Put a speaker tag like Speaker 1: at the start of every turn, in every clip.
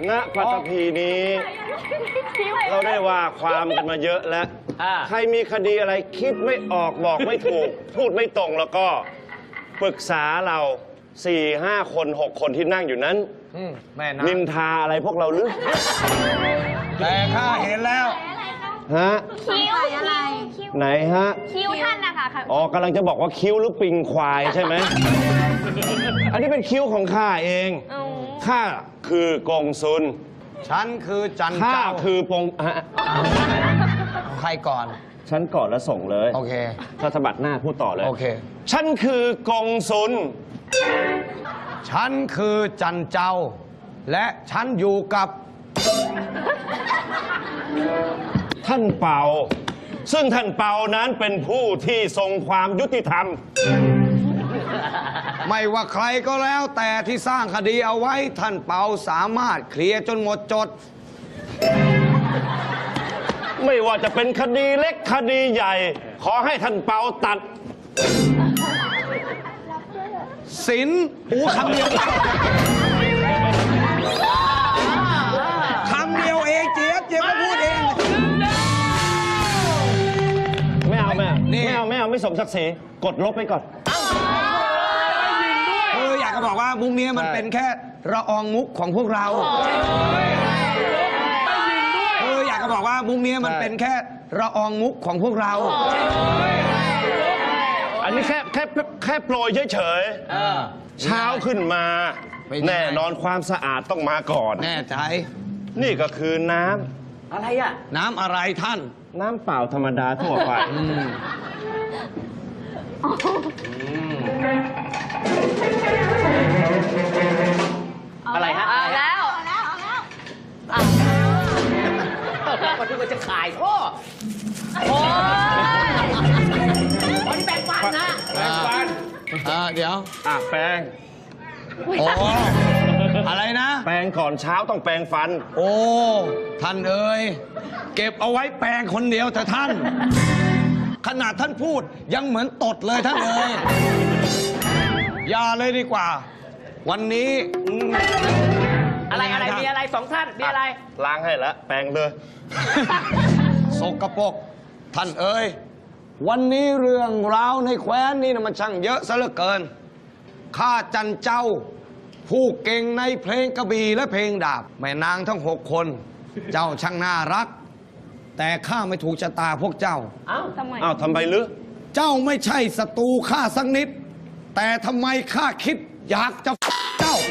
Speaker 1: ณปัตตภีนี้ เราได้ว่าความกันมาเยอะแล้วใครมีคดีอะไรคิดไม่ออกบอกไม่ถูก พูดไม่ตรงแล้วก็ปรึกษาเรา4 5 คน 6 คนที่นั่งอยู่นั้นนินทาอะไรพวกเราหรือ
Speaker 2: แต่ข้าเห็นแล้ว
Speaker 1: ฮะ
Speaker 3: คิ้วอะไร
Speaker 1: ไหนฮะ
Speaker 3: คิ้วท่านนะคะ
Speaker 1: อ๋อกำลังจะบอกว่าคิ้วหรือปิงควายใช่ไหม อันนี้เป็นคิ้วของข้าเองข้าคือกงซุน
Speaker 2: ฉันคือจัน
Speaker 1: ข้า
Speaker 2: เจ้า
Speaker 1: คือปง
Speaker 2: ใครก่อน
Speaker 1: ฉันก่อนแล้วส่งเลย
Speaker 2: โอเค
Speaker 1: ถ้าสะบัดหน้าพูดต่อเลย
Speaker 2: โอเค
Speaker 1: ฉันคือกงซุน
Speaker 2: ฉันคือจันเจ้าและฉันอยู่กับ
Speaker 1: ท่านเปาซึ่งท่านเปานั้นเป็นผู้ที่ทรงความยุติธรรม
Speaker 2: ไม่ว่าใครก็แล้วแต่ที่สร้างคดีเอาไว้ท่านเปาสามารถเคลียร์จนหมดจด
Speaker 1: ไม่ว่าจะเป็นคดีเล็กคดีใหญ่ขอให้ท่านเปาตัด
Speaker 2: สินคำเดียวคำเดียวเองเจี๊ยบก็พูดเอง
Speaker 1: ไม่เอาไม่สมศักดิ์ศรีกดลบไปก่อน
Speaker 2: อยากจะบอกว่ามุกนี้มันเป็นแค่ละอองมุกของพวกเราอยากจะบอกว่ามุกนี้มันเป็นแค่ละอองมุกของพวกเรา
Speaker 1: อันนี้แค่โปรยเฉยๆเช้าขึ้นมาแน่นอนความสะอาดต้องมาก่อน
Speaker 2: แน่ใจ
Speaker 1: นี่ก็คือน้ำ
Speaker 2: อะไรอะน้ำอะไรท่าน
Speaker 1: น้ำเปล่าธรรมดาทั่วไป
Speaker 4: อะไรฮะ
Speaker 3: เอาแล้ว
Speaker 4: ก็คือมันจะขายพ่อโอ้ยแปรงฟันนะ
Speaker 1: แปรงฟัน
Speaker 2: เดี๋ยว
Speaker 1: แปรง
Speaker 2: โอ้อะไรนะ
Speaker 1: แปรงก่อนเช้าต้องแปรงฟัน
Speaker 2: โอ้ท่านเอ๋ยเก็บเอาไว้แปรงคนเดียวแต่ท่านขนาดท่านพูดยังเหมือนตดเลยท่านเอ๋ยอย่าเลยดีกว่าวันนี้
Speaker 4: อะไรมีอะไรสองท่านมีอะไร
Speaker 1: ล้างให้แล้วแปรงเลย
Speaker 2: สกปรกท่านเอ๋ยวันนี้เรื่องราวในแคว้นนี่นะมันช่างเยอะซะเหลือเกินข้าจันเจ้าผู้เก่งในเพลงกระบี่และเพลงดาบแม่นางทั้ง6 คนเจ้าช่างน่ารักแต่ข้าไม่ถูกชะตาพวกเจ้า
Speaker 1: ทำไมหรือ
Speaker 2: เจ้าไม่ใช่ศัตรูข้าสักนิดแต่ทำไมข้าคิดอยากจะเจ้า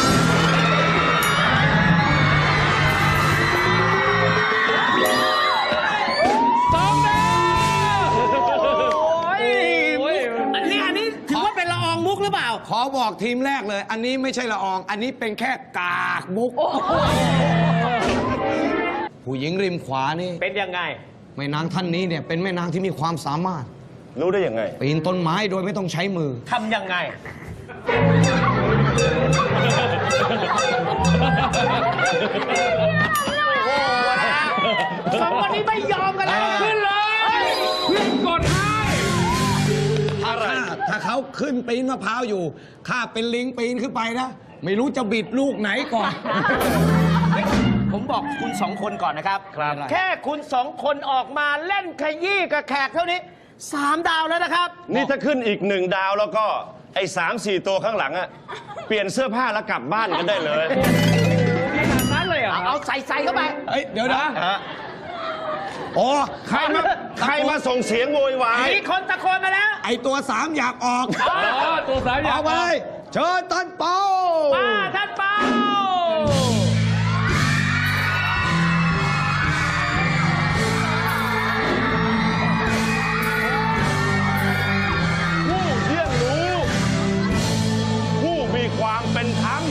Speaker 4: อันนี้ถือว่าเป็นละอองมุกหรือเปล่า
Speaker 2: ขอบอกทีมแรกเลยอันนี้ไม่ใช่ละอองอันนี้เป็นแค่กากมุกผู้หญิงริมขวานี่
Speaker 4: เป็นยังไง
Speaker 2: แม่นางท่านนี้เนี่ยเป็นแม่นางที่มีความสามารถ
Speaker 1: รู้ได้ยังไง
Speaker 2: ปีนต้นไม้โดยไม่ต้องใช้มือ
Speaker 4: ทำยังไงสองคนนี้ไม่ยอมกันแล้วขึ้นเลยเพื่อนกดให้
Speaker 2: ถ้าเขาขึ้นปีนมะพร้าวอยู่ข้าเป็นลิงปีนขึ้นไปนะไม่รู้จะบิดลูกไหนก่อน
Speaker 4: ผมบอกคุณ2 คนก่อนนะครับแค่คุณ2 คนออกมาเล่นขยี้กับแขกเท่านี้3 ดาวแล้วนะครับ
Speaker 1: นี่ถ้าขึ้นอีก1 ดาวแล้วก็ไอ้3-4 ตัวข้างหลังอะเปลี่ยนเสื้อผ้าแล้วกลับบ้านกันได้เลย
Speaker 4: ขนาดนั้นเลยเหรอเอาใส่เข้าไป
Speaker 2: เดี๋ยวนะโอ้
Speaker 1: ใครมาส่งเสียงโวยวาย
Speaker 4: มีคนตะโกนมาแล้ว
Speaker 2: ไอ้ตัว3อยากออก
Speaker 4: ตัว3อยาก
Speaker 2: ออกไปเชิญท่านเปา
Speaker 4: ท่านเปา
Speaker 1: ความเป็นธรรม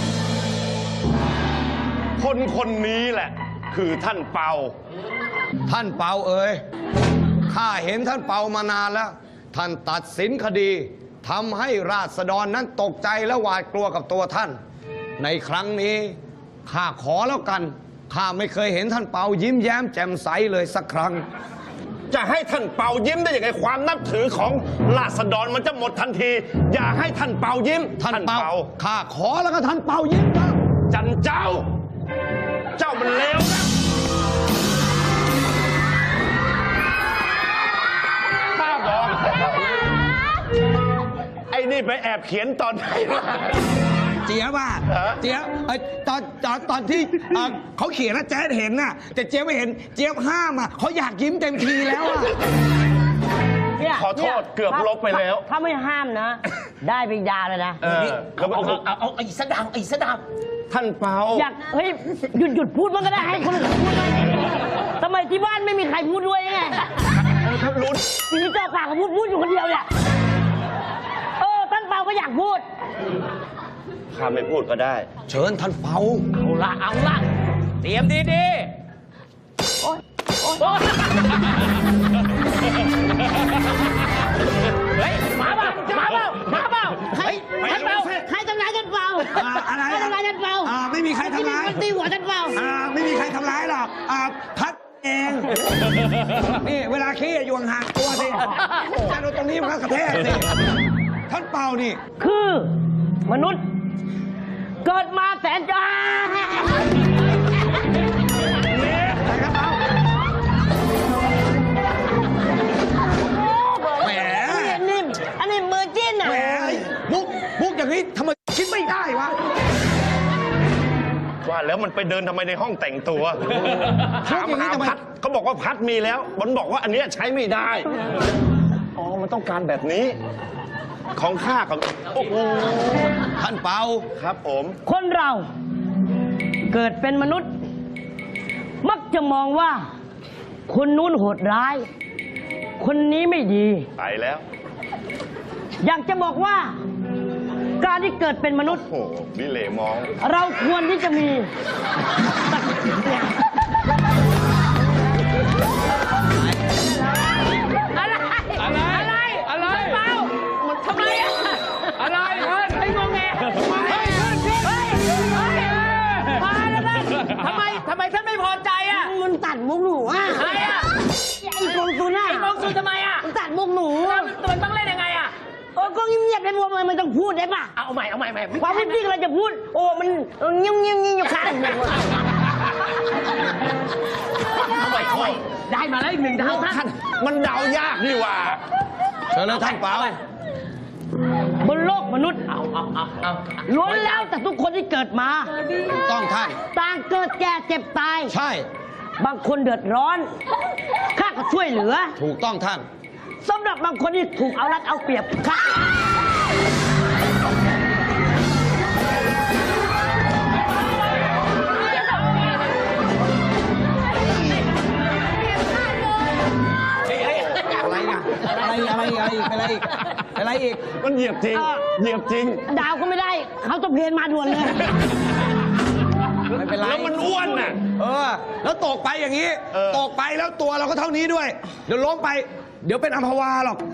Speaker 1: คนนี้แหละคือท่านเปา
Speaker 2: เอ๋ยข้าเห็นท่านเปามานานแล้วท่านตัดสินคดีทำให้ราษฎรนั้นตกใจและหวาดกลัวกับตัวท่านในครั้งนี้ข้าขอแล้วกันข้าไม่เคยเห็นท่านเปายิ้มแย้มแจ่มใสเลยสักครั้ง
Speaker 1: จะให้ท่านเปายิ้มได้ยังไงความนับถือของราษฎรมันจะหมดทันทีอย่าให้ท่านเปายิ้ม
Speaker 2: ท่านเปาข้าขอแล้วก็ท่านเปายิ้มนะ
Speaker 1: จันเจ้านี่ไปแอบเขียนตอนไหนวะ
Speaker 2: เจี๊ยบว่าเจี๊ยบตอนที่เขาเขียนนะแจ๊ดเห็นน่ะแต่เจี๊ยบไม่เห็นเจี๊ยบห้ามอ่ะเขาอยากยิ้มเต็มทีแล้วอ่ะ
Speaker 3: เนี่ย
Speaker 1: ขอโทษเกือบลบไปแล้ว
Speaker 3: ถ้าไม่ห้ามนะ ได้ไปยาวเลยนะ
Speaker 4: เอาอีกสักดาวอีกสักดาว
Speaker 1: ท่านเปา
Speaker 3: อยากเฮ้ยหยุดพูดมันก็ได้ให้คนอื่นพูดบ้างทำไมที่บ้านไม่มีใครพูดด้วยไง
Speaker 1: ท่านรู้
Speaker 3: ทีนี้เจ้าปากก็พูดอยู่คนเดียวเนี่ยท่านเปาก็อยากพูด
Speaker 1: ข้าไม่พูดก็ได้
Speaker 2: เชิญท่านเปา
Speaker 4: เอาละเตรียมดีๆ
Speaker 3: โอ๊ย
Speaker 4: เฮ้ยมาเปล่า
Speaker 3: ใคร
Speaker 4: ท่านเปา
Speaker 3: ใครทำร้ายท่านเปา
Speaker 2: อะไร
Speaker 3: ใครทำร้ายท่านเปา
Speaker 2: ไม่มีใครทำร้าย
Speaker 3: มันตีหัวท่านเปา
Speaker 2: ไม่มีใครทำร้ายหรอกพัดเองนี่เวลาขี้อยู่ห่างๆตัวสิจะโดนตรงนี้มันก็กระแทกสิท่านเปานี่
Speaker 3: คือมนุษย์ เกิดมาแสนจ้า
Speaker 2: แหม
Speaker 3: อันนี้มือจิ้นอ่ะ
Speaker 2: แหมมุกอย่างนี้ทำไมคิดไม่ได้วะ
Speaker 1: ว่าแล้วมันไปเดินทำไมในห้องแต่งตัวถามหาพัดเขาบอกว่าพัดมีแล้วมันบอกว่าอันเนี้ยใช้ไม่ได้ อ๋อ มันต้องการแบบนี้ ของข้ากับโอ้โห
Speaker 2: ท่านเปา
Speaker 1: ครับผม
Speaker 3: คนเราเกิดเป็นมนุษย์ มักจะมองว่า คนนู้นโหดร้าย คนนี้ไม่ดี
Speaker 1: ไปแล้ว
Speaker 3: อยากจะบอกว่า การที่เกิดเป็นมนุษย์
Speaker 1: โอ้โหบิเล่มอง
Speaker 3: เราควรที่จะมีอะไรเปล่าทำไมอ่ะอะไรไอ้งงแงมาแล้วนะ
Speaker 4: ทำไมท่านไม่พอใจอ่ะ
Speaker 3: มันตัดมุกหนูอ่ะ
Speaker 4: ใครอ่ะ
Speaker 3: ไอ้กองซูน่ะ
Speaker 4: ไอ้มองซูทำไมอ่ะ
Speaker 3: มันตัดมุกหนู
Speaker 4: มันต้องเล่นยังไงอ่ะ
Speaker 3: ก็เงียบๆได้บัวมันต้องพูดได้ป่ะ
Speaker 4: เอาใหม่
Speaker 3: ความจริงเราจะพูด มันเงียบอยู่ข้างหนึ่ง
Speaker 4: ได้มาแล้วอีก1 ดาวท่าน
Speaker 1: มันเดายากนี่หว่า
Speaker 2: เชิญเลยท่านเปา
Speaker 3: บนโลกมนุษย์ล้วนแล้วแต่ทุกคนที่เกิดมา
Speaker 2: ถูกต้องท่าน
Speaker 3: ต่างเกิดแก่เจ็บตาย
Speaker 2: ใช่
Speaker 3: บางคนเดือดร้อนข้าก็ช่วยเหลือ
Speaker 2: ถูกต้องท่าน
Speaker 3: สำหรับบางคนที่ถูกเอารัดเอาเปรียบข้า
Speaker 2: อะไรอีก
Speaker 1: มันเหยียบจริง เหยียบจริง
Speaker 3: ดาวก็ไม่ได้ เขาต้องเพลนมาด่วนเลย
Speaker 2: ไม่เป็นไร
Speaker 1: แล้วมันอ้วนน่ะ
Speaker 2: แล้วตกไปอย่างนี้
Speaker 1: เออ
Speaker 2: ตกไปแล้วตัวเราก็เท่านี้ด้วย เดี๋ยวล้มไป เดี๋ยวเป็นอัมพวาหรอก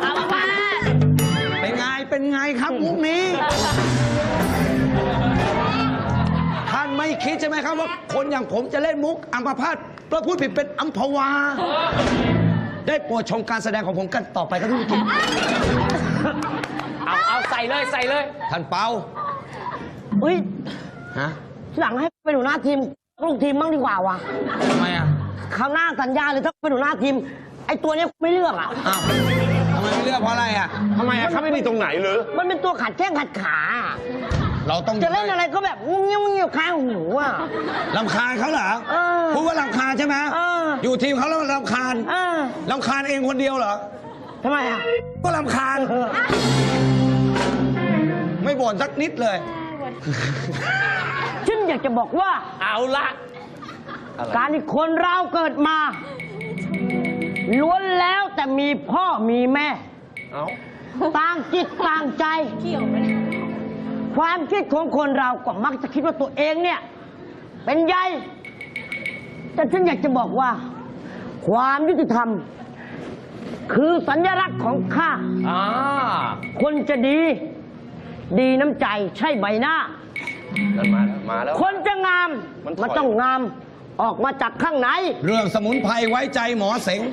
Speaker 2: เป็นไงครับมุกนี้ ท่านไม่คิดใช่ไหมครับว่าคนอย่างผมจะเล่นมุกอัมพาตเพราะพูดผิดเป็นอัมพวา ได้โปรดชมการแสดงของผมกันต่อไปครับทุกท่าน
Speaker 4: เอาใส่เลย
Speaker 2: ท่านเปา
Speaker 3: เฮ้ย
Speaker 2: ฮะ
Speaker 3: หลังให้เป็นหัวหน้าทีมลูกทีมบ้างดีกว่าวะ
Speaker 2: ทำไมอ่ะ
Speaker 3: คราวหน้าสัญญาเลยถ้าเป็นหัวหน้าทีม ไอ้ตัวเนี้ยไม่เลือกอ่ะ
Speaker 2: อ้าวทำไมไม่เลือกเพราะอะไรอ่ะ
Speaker 1: ทำไมอะครับไม่ดีตรงไหนหรือ
Speaker 3: มันเป็นตัวขัดแข้งขัดขา
Speaker 2: เราต้อง
Speaker 3: จะเล่นอะไรก็แบบงุ้งเงี้ยวข้างหูอ่ะ
Speaker 2: รำคาญเขาเหรอ
Speaker 3: เออ
Speaker 2: พูดว่ารำคาญใช่ไหม
Speaker 3: เออ
Speaker 2: อยู่ทีมเขาแล้วรำคาญ รำคาญเองคนเดียวเหรอ
Speaker 3: ทำไมอ่ะ
Speaker 2: ก็รำคาญ ไม่บ่นสักนิดเลย
Speaker 3: ฉันอยากจะบอกว่า
Speaker 4: เอาละ
Speaker 3: การที่คนเราเกิดมา ล้วนแล้วแต่มีพ่อมีแม่
Speaker 1: เอ้า
Speaker 3: ต่างจิตต่างใจ ความคิดของคนเราก็มักจะคิดว่าตัวเองเนี่ย เป็นใหญ่ แต่ฉันอยากจะบอกว่า ความยุติธรรม คือสัญลักษณ์ของข้า คนจะดี ดีน้ำใจใช่ใบหน้า
Speaker 1: มาแล้ว
Speaker 3: คนจะงาม
Speaker 1: มันถอย
Speaker 3: มันต้องงามออกมาจากข้างใน
Speaker 2: เรื่องสมุนไพรไว้ใจหมอเสง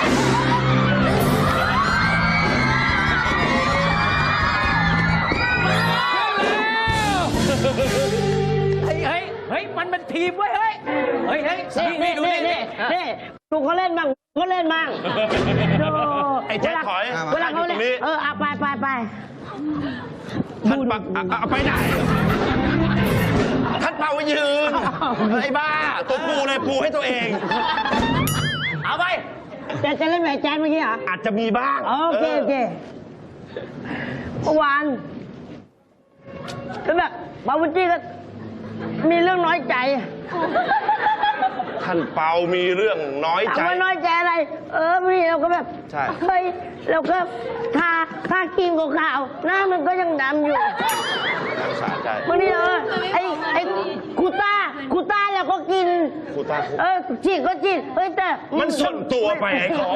Speaker 4: เฮ้ยมันเป็นทีมเว้ยเฮ้ยนี่ดูนี่
Speaker 3: ดูเขาเล่นบ้างเขาเล่นบ้าง
Speaker 1: ไอ้แจ๊คถอย
Speaker 3: เวลาเขา
Speaker 1: อยู่ต
Speaker 3: เล่
Speaker 1: ร
Speaker 3: น
Speaker 1: งนี้
Speaker 3: ไป
Speaker 1: ท่านปักเอาไปไหนท่านเป่าไว้ยืนไอ้บ้าตัวปูเลยปูให้ตัวเอง
Speaker 4: เอาไป
Speaker 3: จะเล่นแหวนแจนเมื่อกี้เหรอ
Speaker 1: อาจจะมีบ้าง
Speaker 3: โอเคโอเคเมื่อวานก็แบบบาวุจี้ก็มีเรื่องน้อยใจ
Speaker 1: ท่านเปามีเรื่องน้อยใจ
Speaker 3: ถามว่าน้อยใจอะไร พี่เราก็แบบ
Speaker 1: ใช่
Speaker 3: เฮ้ยเราก็ทาครีมขาวๆหน้ามันก็ยังดำอยู่
Speaker 1: สาใจ
Speaker 3: บางทีไอ้คูต้าเราก็กิน
Speaker 1: คูต้า
Speaker 3: ฉีดก็ฉีดเฮ้ยแต่
Speaker 1: มันส่วนตัวไปไอ้ของ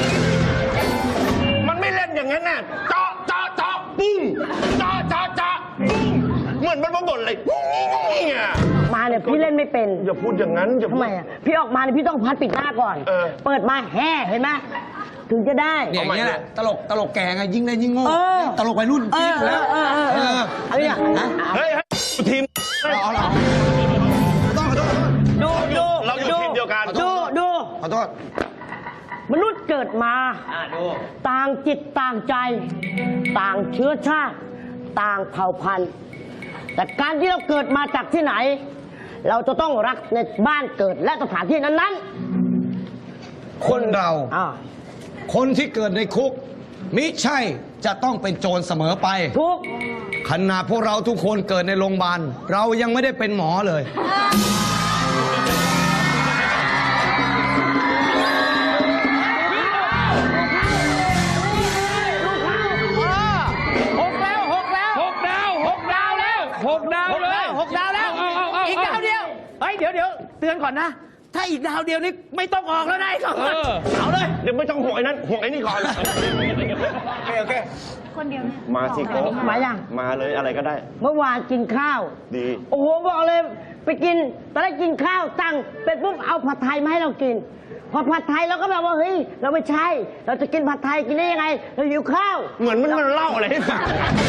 Speaker 1: มันไม่เล่นอย่างนั้นน่ะเจาะปุ้งเจาะปุ้งเหมือนมันมาบ่นอะไรเนี่ย
Speaker 3: มาเนี่ยพี่เล่นไม่เป็น
Speaker 1: อย่าพูดอย่างนั้นอย่า
Speaker 3: ทำ
Speaker 1: พูด
Speaker 3: ไมอ่ะพี่ออกมาเนี่ยพี่ต้องพัดปิดหน้าก่อน เปิดมาแห่เห็นไหมถึงจะได้
Speaker 2: เนี่ยอย่างเงี้ยแหละตลกแก่ไงยิ่งเล่นยิ่งโง่
Speaker 3: เออ
Speaker 2: ตลกวัยรุ่นจริงแล้ว
Speaker 3: เอาอย่าง
Speaker 1: เฮ้ยทีม
Speaker 2: เอาเราขอโทษ
Speaker 3: ดู
Speaker 1: เราอยู่ทีมเดียวกัน
Speaker 3: ดู
Speaker 2: ขอโทษ
Speaker 3: มนุษย์เกิดมา ต่างจิตต่างใจ ต่างเชื้อชาติ ต่างเผ่าพันธุ์ แต่การที่เราเกิดมาจากที่ไหน เราจะต้องรักในบ้านเกิดและสถานที่นั้น
Speaker 2: คนเรา
Speaker 3: ๆอ่า
Speaker 2: คนที่เกิดในคุกมิใช่จะต้องเป็นโจรเสมอไป
Speaker 3: ทุก
Speaker 2: ขณะพวกเราทุกคนเกิดในโรงพยาบาลเรายังไม่ได้เป็นหมอเลย
Speaker 4: 6 ดาวแล้ว อีกดาวเดียว เฮ้ย เดี๋ยว เตือนก่อนนะ ถ้าอีกดาวเดียวนี่ไม่ต้องออกแล้วนะเอาเลย
Speaker 1: เดี๋ยวไม่ต้องห่วงไอ้นั้นห่วงไอ้นี่ก่อน
Speaker 4: โอเค
Speaker 1: มาสิโก้
Speaker 3: มายัง
Speaker 1: มาเลยอะไรก็ได้
Speaker 3: เมื่อวานกินข้าว
Speaker 1: ดี
Speaker 3: โอ้โหบอกเลยไปกินตอนแรกกินข้าวตั้งเป็นปุ๊บเอาผัดไทยมาให้เรากิน พอผัดไทยเราก็แบบว่าเฮ้ยเราไม่ใช่ เราจะกินผัดไทยกินได้ยังไง เราหิวข้าว
Speaker 1: เหมือนมันเล่าอะไรให้ฟัง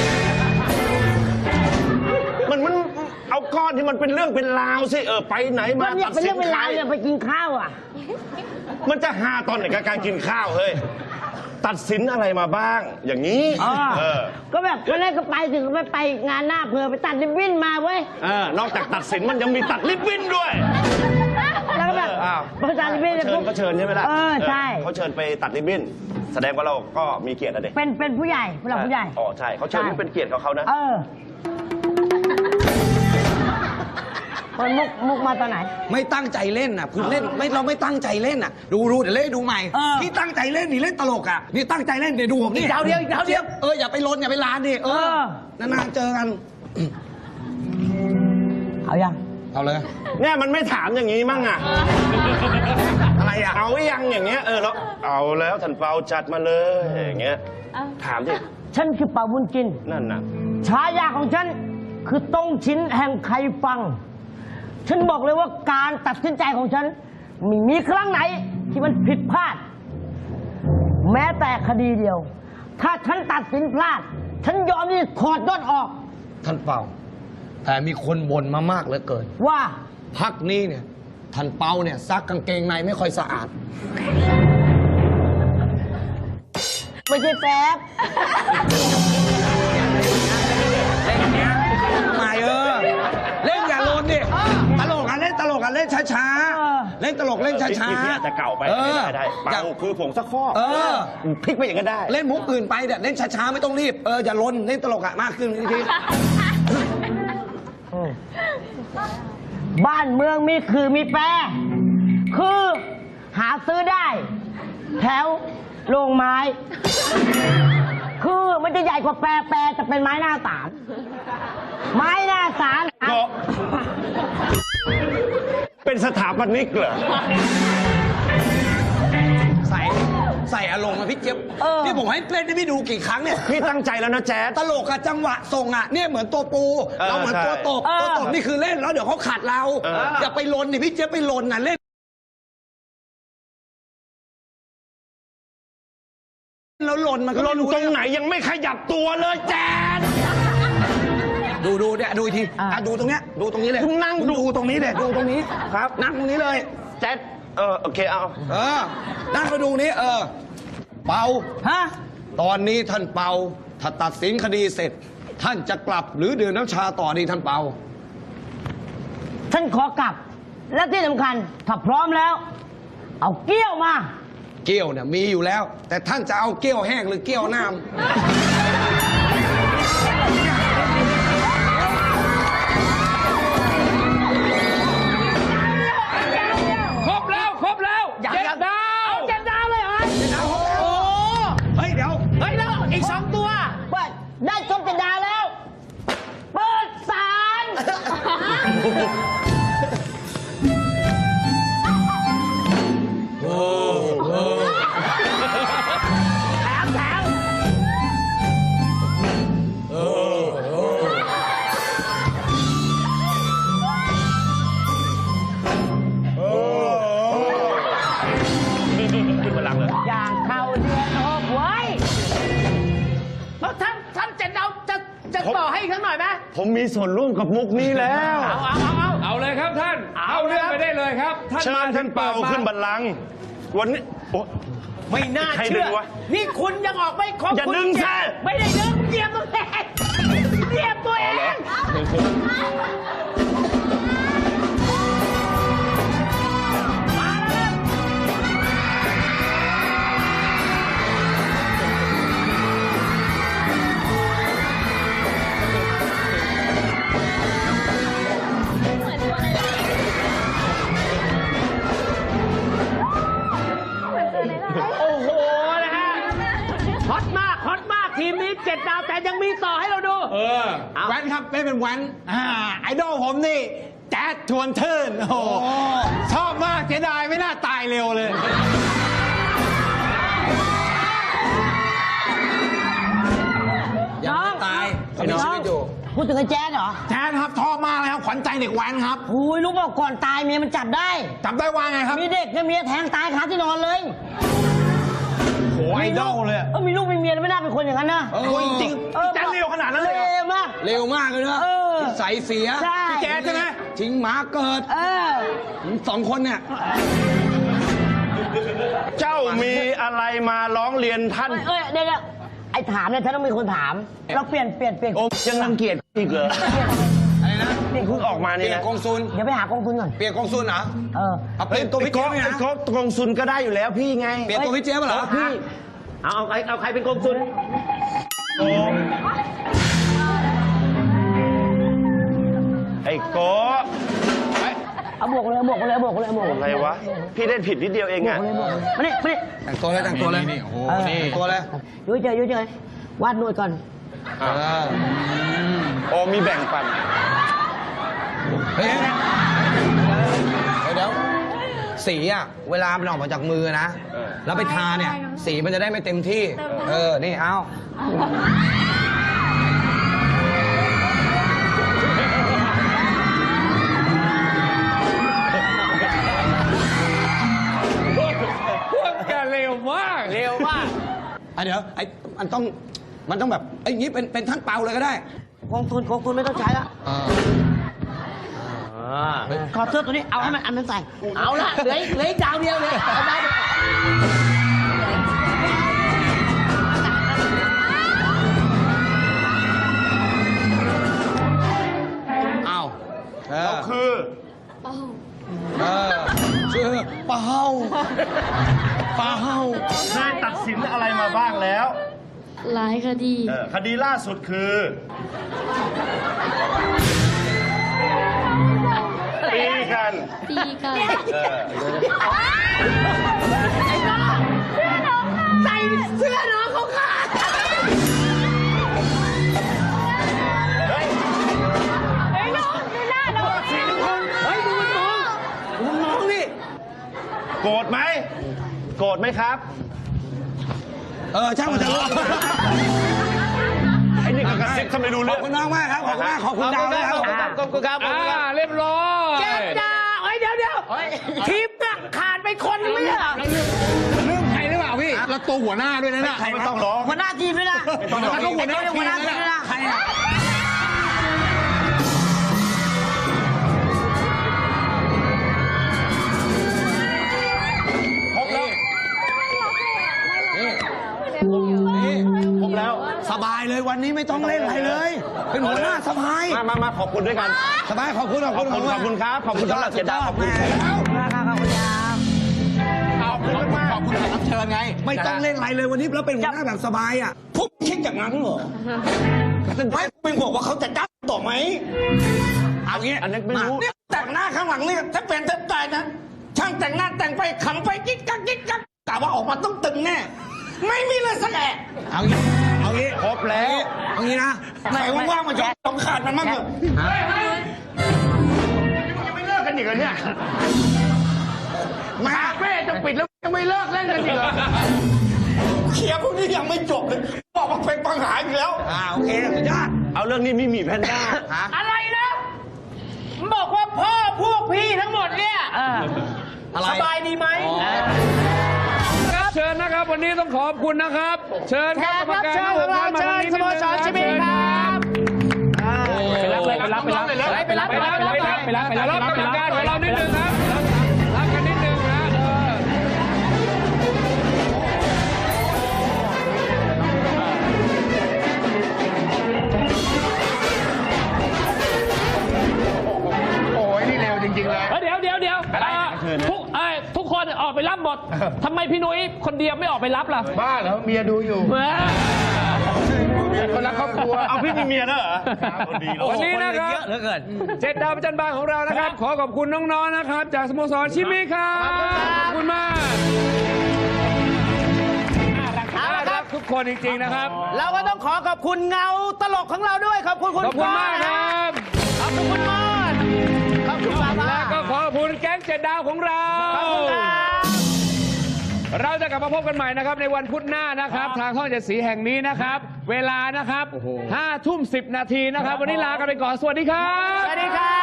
Speaker 1: มันเอาก้อนที่มันเป็นเรื่องเป็นราวสิไปไหน
Speaker 3: มั
Speaker 1: มาน
Speaker 3: เนี่ยเป็นเรื่องเป็นราว
Speaker 1: ใค
Speaker 3: เนี่ยไปกินข้าวอ่ะ
Speaker 1: มันจะหาตอนไหนกับการกินข้าวเฮ้ยตัดสินอะไรมาบ้าง อย่างนี้
Speaker 3: ก็แบบวันแรกก็ไปถึงไปงานหน้าเพอไปตัดริบบิ้นมาเว้ย
Speaker 1: นอกจากตัดสินมันยังมีตัดริบบิ้นด้วย
Speaker 3: แล้วก็แบบพอตัดริบบิ้น
Speaker 1: เขาเชิญใช่ไหมล่ะ
Speaker 3: ใช่
Speaker 1: เขาเชิญไปตัดริบบิ้นแสดงว่าเราก็มีเกียรติอะเด็ก
Speaker 3: เป็นผู้ใหญ่ผู้หลักผู้ใหญ่
Speaker 1: อ๋อใช่เขาเชิญนี่เป็นเกียรติของเขานะ
Speaker 3: คนมุกมาตอนไหน
Speaker 2: ไม่ตั้งใจเล่นน่ะคือเล่นเราไม่ตั้งใจเล่นน่ะดูเดี๋ยวเล่นดูใหม่ที่ตั้งใจเล่นนี่เล่นตลกอ่ะนี่ตั้งใจเล่นเดี๋ยวดูผมนี่
Speaker 4: อีกดาวเดียว
Speaker 2: อย่าไปลนอย่าไปลานดินานๆเจอกัน
Speaker 3: เอายัง
Speaker 2: เอาเลย
Speaker 1: เนี่ยมันไม่ถามอย่างนี้มั่งอะอะไรอะเอายังอย่างเงี้ยแล้วเอาแล้วท่านเปาจัดมาเลยอย่างเงี้ยถามดิ
Speaker 3: ฉันคือเป่าบุญจิน
Speaker 1: นั่นน่ะ
Speaker 3: ฉายาของฉันคือต้งชิ้นแห่งใครฟัง ฉันบอกเลยว่าการตัดสินใจของฉันไม่มีครั้งไหนที่มันผิดพลาด แม้แต่คดีเดียว ถ้าฉันตัดสินพลาด ฉันยอมที่จะถอดยศออก
Speaker 2: ท่านเปาแต่มีคนบ่นมามากเหลือเกิน
Speaker 3: ว่า
Speaker 2: พักนี้เนี่ยท่านเปาเนี่ยซักกางเกงในไม่ค่อยสะอาด
Speaker 3: ไม่ใช่แป๊บ
Speaker 2: ไม่เล่นอย่าลนดิตลกอ่ะเล่นตลกอ่ะเล่นช้าๆเล่นตลกเล่นช้า
Speaker 1: พี่อาจจะเก่าไปได้เปาคือผงซักฟอกพลิกไปอย่างนั้นได้
Speaker 2: เล่นมุกอื่นไปเนี่ยเล่นช้าๆไม่ต้องรีบอย่าลนเล่นตลกอ่ะมากขึ้นที
Speaker 3: บ้านเมืองมีคือมีแปร คือหาซื้อได้ แถวโรงไม้ คือมันจะใหญ่กว่าแปรจะเป็นไม้หน้าสามไม้หน้าสาม
Speaker 1: ก็เป็นสถาปนิกเหรอ
Speaker 2: ใส่อารมณ์มาพี่เจี๊ยบนี่ผมให้เล่นให้พี่ดูกี่ครั้งเนี่ย
Speaker 1: พี่ตั้งใจแล้วนะแจ๊ด
Speaker 2: ตลกอะจังหวะส่งอะเนี่ยเหมือนตัวปูเราเหมือนตัวตบตัวตบนี่คือเล่นแล้วเดี๋ยวเขาขัดเราอย่าไปลนนี่พี่เจี๊ยบไปลนน่ะเล่นแล้วลนมันก็
Speaker 1: ลนตรงไหนยังไม่ขยับตัวเลยแจ๊ด
Speaker 2: ดูเนี่ยดูอีกทีดูตรงเนี้ยดูตรงนี้เลย
Speaker 1: นั่ง
Speaker 2: ดูตรงนี้เลยดูตรงนี้
Speaker 1: ครับ
Speaker 2: นั่งตรงนี้เลย
Speaker 1: แจ๊ดโอเคเอา
Speaker 2: นั่งมาดูนี้เปา
Speaker 3: ฮะ
Speaker 2: ตอนนี้ท่านเปาถ้าตัดสินคดีเสร็จ ท่านจะกลับหรือดื่มน้ำชาต่อดีท่านเปา
Speaker 3: ฉันขอกลับ และที่สำคัญ ถ้าพร้อมแล้ว เอาเกี้ยวมา
Speaker 2: เกี้ยวเนี่ยมีอยู่แล้ว แต่ท่านจะเอาเกี้ยวแห้งหรือเกี้ยวน้ำ
Speaker 5: ครบแล้วครบแล้ว
Speaker 4: ยัง
Speaker 5: เจ็ด
Speaker 4: ยัง
Speaker 5: ดาว
Speaker 3: เจ็ดดาวเลยเหรอ
Speaker 4: โอ้
Speaker 2: เฮ้ยเดี๋ยว
Speaker 4: เฮ้ยแล้วอีก 2 ตัว
Speaker 3: เปิดได้ครบเจ็ดดาวแล้ว เปิดศาล แถมแถม
Speaker 1: ขึ้นมาหลังเลย
Speaker 3: อย่างเข้าเดือนหกไว้
Speaker 4: แล้วท่านเจ็ดดาวจะต่อให้อีกสักหน่อยไหม
Speaker 1: ผมมีส่วนร่วมกับมุกนี้แล้ว
Speaker 5: เอาเลยครับท่าน เอาเรื่องไปได้เลยครับ
Speaker 1: เชิญท่านเปาขึ้นบัลลังก์วันนี้โอ้
Speaker 4: ไม่น่า
Speaker 1: ใครดึ
Speaker 4: เชื่อง
Speaker 1: วะ
Speaker 4: นี่คุณยังออกไม่ครบ
Speaker 1: อย่า
Speaker 4: คุณ
Speaker 1: ดึง
Speaker 4: เจ็
Speaker 1: สิ
Speaker 4: ไม่ได้ดึงเหยียบตัวเองเหยียบตัวเอง มาแล้ว โอ้โห นะฮะ ฮอตมาก ฮอตมาก ทีมนี้7 ดาวแต่ยังมีต่อให้เราดู
Speaker 6: แว้นครับไม่เป็นแว้นไอดอลผมนี่แจ๊ดชวนเทิร์นโอ้โหชอบมากเสียดายไม่น่าตายเร็วเลย
Speaker 2: ยังไม่ตายเขามีชีวิตอยู่
Speaker 3: พูดถึงไอ้แจ๊ดเหรอ
Speaker 6: แจ๊ดครับชอบมากเลยครับขวัญใจเด็กแว้นครับ
Speaker 3: โอ้ยรู้เปล่าก่อนตายเมียมันจับได้
Speaker 6: จับได้ว่าไงครับ
Speaker 3: มีเด็กเนี่ยเมียแทงตายคาที่นอนเลย
Speaker 6: โหไอดอลเลยอะ
Speaker 3: มีลูกมีเมียแล้วไม่น่าเป็นคนอย่างนั้นนะ
Speaker 6: โอ้ยจริงแจ๊ดเร็วขนาดนั้นเลยเหรอ
Speaker 3: เร็วมาก
Speaker 2: เร็วมากเลยนะ
Speaker 3: เออ
Speaker 2: ใส่เสีย
Speaker 3: ใช่
Speaker 6: แจ๊ดใช่ไหม
Speaker 2: ทิ้งหมาเกิด
Speaker 3: เออ
Speaker 2: สองคนเนี่ย
Speaker 1: เจ้ามีอะไรมาร้องเรียนท่าน
Speaker 3: เอ้ยเดี๋ยวไอ้ถามเนี่ยฉันต้องมีคนถาม เราเปลี่ยน
Speaker 1: โอ้ยังรังเกียจอีกเหรอ
Speaker 2: อะไรนะ
Speaker 1: เพิ่งออกมา
Speaker 2: เป
Speaker 1: นี่
Speaker 2: ลี่ยน
Speaker 1: นะ
Speaker 2: กองซุน
Speaker 3: เดี๋ยวไปหากองทุนก่อน
Speaker 2: เปลี่ยนกองซุนเหรอ
Speaker 3: เออ
Speaker 2: เอาเปลี่ยนตัวพี่เจ๊ยบ
Speaker 1: ไอ้
Speaker 2: นะ
Speaker 1: ก๊อกกองซุนก็ได้อยู่แล้วพี่ไง
Speaker 2: เปลี่ยนตัวพี่เจ๊ยบเหรอ
Speaker 3: พี่
Speaker 4: เอาใครเป็นกองซุน
Speaker 1: ไอ้โก้
Speaker 3: เอาบวกเลยเอาบวกเลยเอาบวกเลยเอาบวกเลย
Speaker 1: อะไรวะ พี่เล่นผิดนิดเดียวเองอะ
Speaker 3: มานี่มานี่
Speaker 2: แต่งตัวเลยแต่งตัวเลยโอ้โหนี่แต่งตัวเลย
Speaker 3: ยุ่ยเจอยุ่ยเจอวาดหนวดก่อน
Speaker 2: เออ
Speaker 1: โอ้มีแบ่งปัน
Speaker 2: เฮ้ยเดี๋ยวสีอะเวลามันออกมาจากมือนะ แล้วไปทาเนี่ย สีมันจะได้ไม่เต็มที่ นี่เอา
Speaker 5: พวกแกเร็วมาก
Speaker 4: เร็วมาก
Speaker 2: เดี๋ยวมันต้องแบบอย่างนี้เป็นท่านเปาเลยก็ได้
Speaker 3: กองทุนไม่ต้องใช้ละขอเสื้อตัวนี้เอาให้มันอันนั้นใส่
Speaker 4: เอาละเหลืออีกดาวเดียวเลยเอาดาวเดียว
Speaker 2: เอา
Speaker 1: เราคือ
Speaker 2: ชื่อเปาเปา
Speaker 1: ได้ตัดสินอะไรมาบ้างแล้ว
Speaker 7: หลายคดี
Speaker 1: คดีล่าสุดคือตีกัน
Speaker 7: ตีกัน
Speaker 4: ใส่เสื้อน้องเขาขาด
Speaker 7: เฮ้ยน้องดูหน้าน้อง
Speaker 4: เฮ้ยดูมันมองดูมันมองนี่
Speaker 1: โกรธไหม โกรธไหมครับ
Speaker 2: ช่างมันเถอะ
Speaker 1: ไอ้นี่ก็กระซิบทำไมรู้
Speaker 2: ข
Speaker 1: เรื่
Speaker 2: อ
Speaker 1: อบ ง
Speaker 2: คุณน้องมากครับ ขอบคุณมาก ขอบคุณดาวด้วยครับ
Speaker 4: ขอบคุณครับ
Speaker 5: เรียบร้อย
Speaker 4: เจ็ดดาวเฮ้ยเดี๋ยวทีมน่ะขาดไปคนนึงไม่ใช่เหรอ
Speaker 6: เรื่องใครหรือเปล่าพี่แล้วตัวหัวหน้าด้วยนะเนี่ย
Speaker 1: ไม่ต้องร้อง
Speaker 3: หัวหน้าทีมด้วยนะ
Speaker 6: แล้วก็หัวหน้าทีม
Speaker 3: หัวหน้าทีมด้วยนะ
Speaker 6: ใครอะ
Speaker 2: ครบแล้ว นี่
Speaker 1: ผมแล้ว
Speaker 2: สบายเลยนี้ไม่ต้องเล่นอะไรเลย เป็นหัวหน้าสบาย
Speaker 1: มาขอบคุณด้วยกัน
Speaker 2: สบายขอบคุณ
Speaker 1: ขอบคุณครับ ขอบคุณสำหรับเจดาขอบคุณครับ
Speaker 6: ขอบคุณแขกรับเชิญไง
Speaker 2: ไม่ต้องเล่นอะไรเลยวันนี้แล้วเป็นหัวหน้าแบบสบายอ่ะพวกคิดอย่างนั้นเหรอไม่เป็นห่วงว่าเขาจะจ้างต่อไหมเอางี้
Speaker 1: อันนั้นไม่รู้
Speaker 2: เนี่ยแต่งหน้าข้างหลังเนี่ยถ้าเป็นถ้าตายนะช่างแต่งหน้าแต่งไปขำไปกิ๊กกักกะว่าออกมาต้องตึงแน่ไม่มีเลยสักแอะเอางี้ครบแล้วเอางี้นะไหนว่างๆมาชมต้องขาดมันมั่งเถอะ
Speaker 1: ยังไม่เลิกกันอีกเหรอเนี่ย
Speaker 2: มาเป้จะปิดแล้วยังไม่เลิกเล่นกันอีกเหรอเคลียร์พวกนี้ยังไม่จบเลยบอกว่าเป็นปัญหาอีกแล้วโอเคสุดยอด
Speaker 1: เอาเรื่องนี้มีแพนด้า
Speaker 4: อะไรนะบอกว่าพ่อพวกพี่ทั้งหมดเนี่ยสบายดีไหม
Speaker 5: ครับเชิญนะครับ วันนี้ต้องขอบคุณนะครับ เชิญ
Speaker 4: แข
Speaker 5: ครับ
Speaker 4: กรับเชิญของเราเชิญสโมสรชิมิครับ
Speaker 5: ไปรับกรรมการของเรานิดนึงครับรับกันนิดนึงนะ
Speaker 8: ทุกคนออกไปรับหมด ทำไมพี่นุ้ยคนเดียวไม่ออกไปรับล่ะ
Speaker 6: บ้าเหรอเมียดูอยู่คนรักครอบครัว
Speaker 1: เอาพี่มีเมียแล้วเหรอดีเนอะ
Speaker 5: วันนี้นะครับ
Speaker 4: เหลือเกิน
Speaker 5: 7 ดาวประจันบานของเรานะครับ ขอขอบคุณน้องๆนะครับ จากสโมสรชิมิครับขอบคุณมากน่ารักทุกคนจริงๆนะครับ
Speaker 4: เราก็ต้องขอบคุณเงาตลกของเราด้วยขอบคุณคุณ
Speaker 5: ขอบคุณมากครับ
Speaker 4: ขอบคุณคุณมอดขอบคุณป้า
Speaker 5: และก็ขอบคุณแก๊ง7 ดาวของเรา เราจะกลับมาพบกันใหม่นะครับในวันพุธหน้านะครับ ทางช่อง7 สีแห่งนี้นะครับ เวลานะครับ5 ทุ่ม 10 นาทีนะครับ วันนี้ลากันไปก่อน สวัสดีครับ
Speaker 4: สวัสดีครับ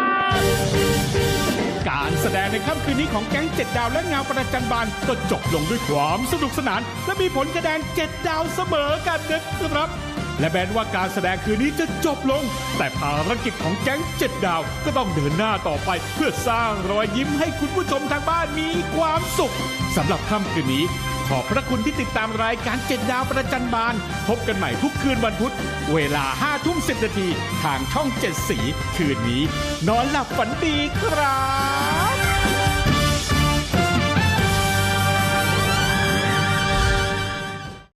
Speaker 9: การแสดงในค่ำคืนนี้ของแก๊ง7 ดาวและเงาประจันบานก็จบลงด้วยความสนุกสนาน และมีผลคะแนน7 ดาวเสมอกันนะครับ และแม้ว่าการแสดงคืนนี้จะจบลง แต่ภารกิจของแก๊ง7 ดาวก็ต้องเดินหน้าต่อไป เพื่อสร้างรอยยิ้มให้คุณผู้ชมทางบ้านมีความสุขสำหรับค่ำคืนนี้ ขอบพระคุณที่ติดตามรายการ7 ดาวประจันบานพบกันใหม่ทุกคืนวันพุธเวลา5 ทุ่ม 10 นาทีทางช่อง7 สีคืนนี้ นอนหลับฝันดีครับ